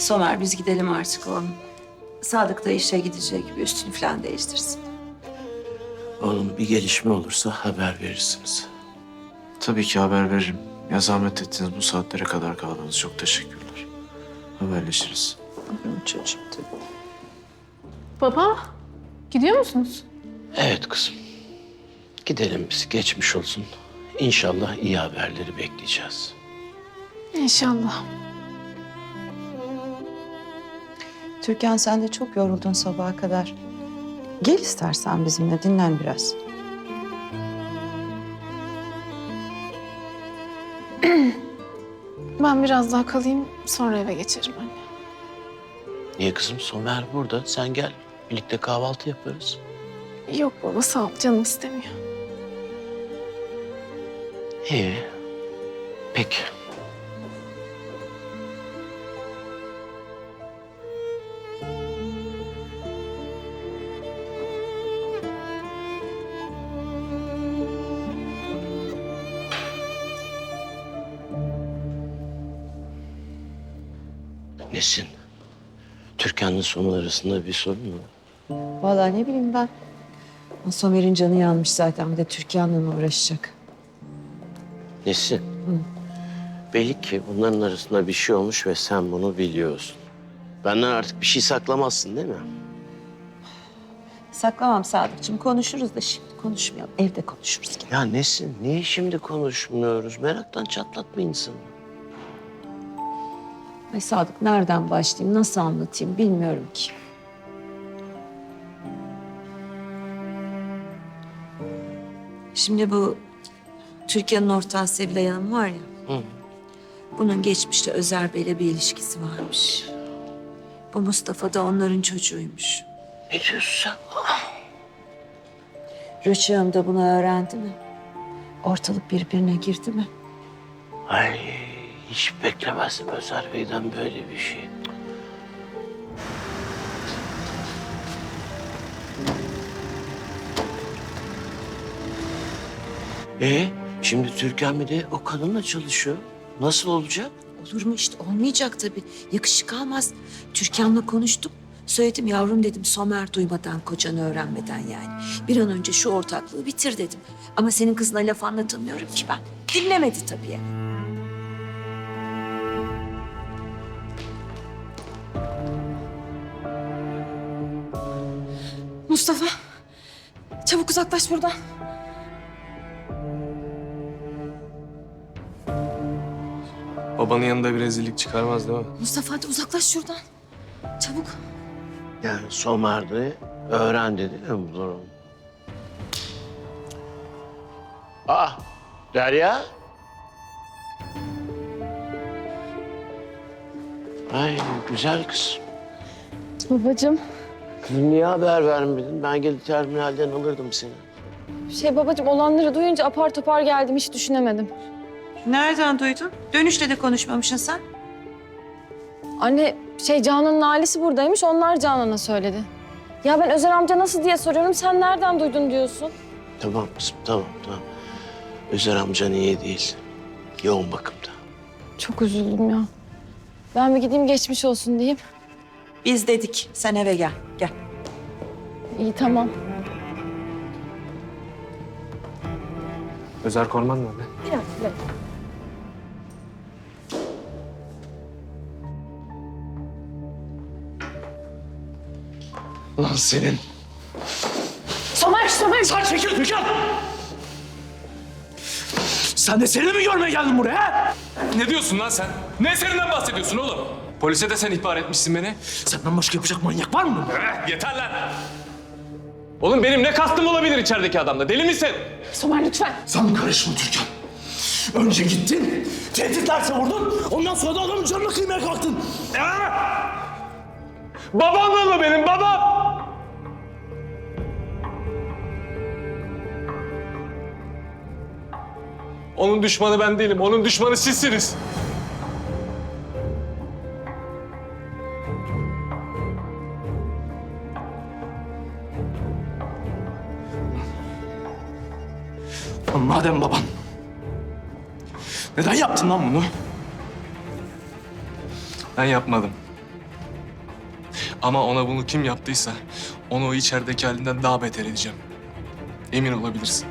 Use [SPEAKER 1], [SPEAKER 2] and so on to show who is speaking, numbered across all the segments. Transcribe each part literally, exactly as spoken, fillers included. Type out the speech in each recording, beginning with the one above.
[SPEAKER 1] Somer biz gidelim artık oğlum. Sadık da işe gidecek, bir üstünü falan değiştirsin.
[SPEAKER 2] Oğlum bir gelişme olursa haber verirsiniz.
[SPEAKER 3] Tabii ki haber veririm. Ya zahmet ettiniz bu saatlere kadar kaldınız. Çok teşekkürler. Haberleşiriz.
[SPEAKER 1] Benim çocuğum tabii.
[SPEAKER 4] Baba, gidiyor musunuz?
[SPEAKER 2] Evet kızım. Gidelim biz, geçmiş olsun. İnşallah iyi haberleri bekleyeceğiz.
[SPEAKER 4] İnşallah.
[SPEAKER 1] Türkan sen de çok yoruldun sabaha kadar. Gel istersen bizimle dinlen biraz.
[SPEAKER 4] Ben biraz daha kalayım, sonra eve geçerim anne.
[SPEAKER 2] Niye kızım? Somer burada. Sen gel. Birlikte kahvaltı yaparız.
[SPEAKER 4] Yok baba, sağ ol. Canım istemiyor.
[SPEAKER 2] İyi. Peki. Nesin? Türkan'la Somer arasında bir sorun mu?
[SPEAKER 1] Vallahi ne bileyim ben. Somer'in canı yanmış zaten. Bir de Türkan'la mı uğraşacak?
[SPEAKER 2] Nesin? Belli ki bunların arasında bir şey olmuş ve sen bunu biliyorsun. Benden artık bir şey saklamazsın değil mi?
[SPEAKER 1] Saklamam Sadıkçığım. Konuşuruz da şimdi konuşmayalım. Evde konuşuruz. Gel.
[SPEAKER 2] Ya Nesin, niye şimdi konuşmuyoruz? Meraktan çatlatma insanı.
[SPEAKER 1] Ay Sadık nereden başlayayım, nasıl anlatayım bilmiyorum ki. Şimdi bu Türkiye'nin ortağı Sevilay Hanım var ya.
[SPEAKER 2] Hı.
[SPEAKER 1] Bunun geçmişte Özer Bey'le bir ilişkisi varmış. Bu Mustafa da onların çocuğuymuş.
[SPEAKER 2] Ne diyorsun sen?
[SPEAKER 1] Rüçhan Hanım da bunu öğrendi mi? Ortalık birbirine girdi mi?
[SPEAKER 2] Ay, hiç beklemezdim Özer Bey'den böyle bir şey. Ee, şimdi Türkan bir de o kadınla çalışıyor. Nasıl olacak?
[SPEAKER 1] Olur mu işte olmayacak tabii. Yakışık almaz. Türkan'la konuştum. Söyledim yavrum dedim Somer duymadan kocanı öğrenmeden yani. Bir an önce şu ortaklığı bitir dedim. Ama senin kızına laf anlatamıyorum ki ben. Dinlemedi tabii.
[SPEAKER 4] Mustafa, çabuk uzaklaş buradan.
[SPEAKER 3] Babanın yanında bir rezillik çıkarmaz değil mi?
[SPEAKER 4] Mustafa hadi uzaklaş şuradan. Çabuk.
[SPEAKER 2] Yani Somer'de öğrendi değil mi bu durum? Ah, Derya. Ay, güzel kız.
[SPEAKER 4] Babacığım.
[SPEAKER 2] Kızım niye haber vermedin? Ben gelip terminalden alırdım seni.
[SPEAKER 4] Şey babacığım, olanları duyunca apar topar geldim, hiç düşünemedim.
[SPEAKER 1] Nereden duydun? Dönüşte de konuşmamışsın sen.
[SPEAKER 4] Anne şey Canan'ın ailesi buradaymış, onlar Canan'a söyledi. Ya ben Özer amca nasıl diye soruyorum, sen nereden duydun diyorsun?
[SPEAKER 2] Tamam kızım, tamam, tamam. Özer amcan iyi değil. Yoğun bakımda.
[SPEAKER 4] Çok üzüldüm ya. Ben bir gideyim geçmiş olsun diyeyim.
[SPEAKER 1] Biz dedik sen eve gel. Gel.
[SPEAKER 4] İyi tamam.
[SPEAKER 3] Özer Korman nerede?
[SPEAKER 4] Biraz, biraz.
[SPEAKER 3] Lan senin.
[SPEAKER 4] Somer, Somer.
[SPEAKER 5] Sen çekil Türkan! Sen de seni mi görmeye geldin buraya? ha?
[SPEAKER 6] Ne diyorsun lan sen? Ne eserinden bahsediyorsun oğlum? Polise de sen ihbar etmişsin beni.
[SPEAKER 5] Senden başka yapacak manyak var mı?
[SPEAKER 6] Eh, yeter lan! Oğlum benim ne kastım olabilir içerideki adamda? Deli misin?
[SPEAKER 4] Somer lütfen.
[SPEAKER 5] Sen karışma Türkan. Önce gittin, tehditlerse vurdun, ondan sonra da adamın canını kıymaya kalktın.
[SPEAKER 6] Babam mı benim babam? Onun düşmanı ben değilim, onun düşmanı sizsiniz.
[SPEAKER 5] Lan madem baban, neden yaptın lan bunu?
[SPEAKER 6] Ben yapmadım.
[SPEAKER 7] Ama ona bunu kim yaptıysa onu o içerideki halinden daha beter edeceğim. Emin olabilirsin.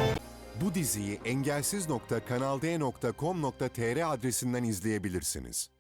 [SPEAKER 8] Bu diziyi engelsiz nokta kanalde nokta com nokta tr adresinden izleyebilirsiniz.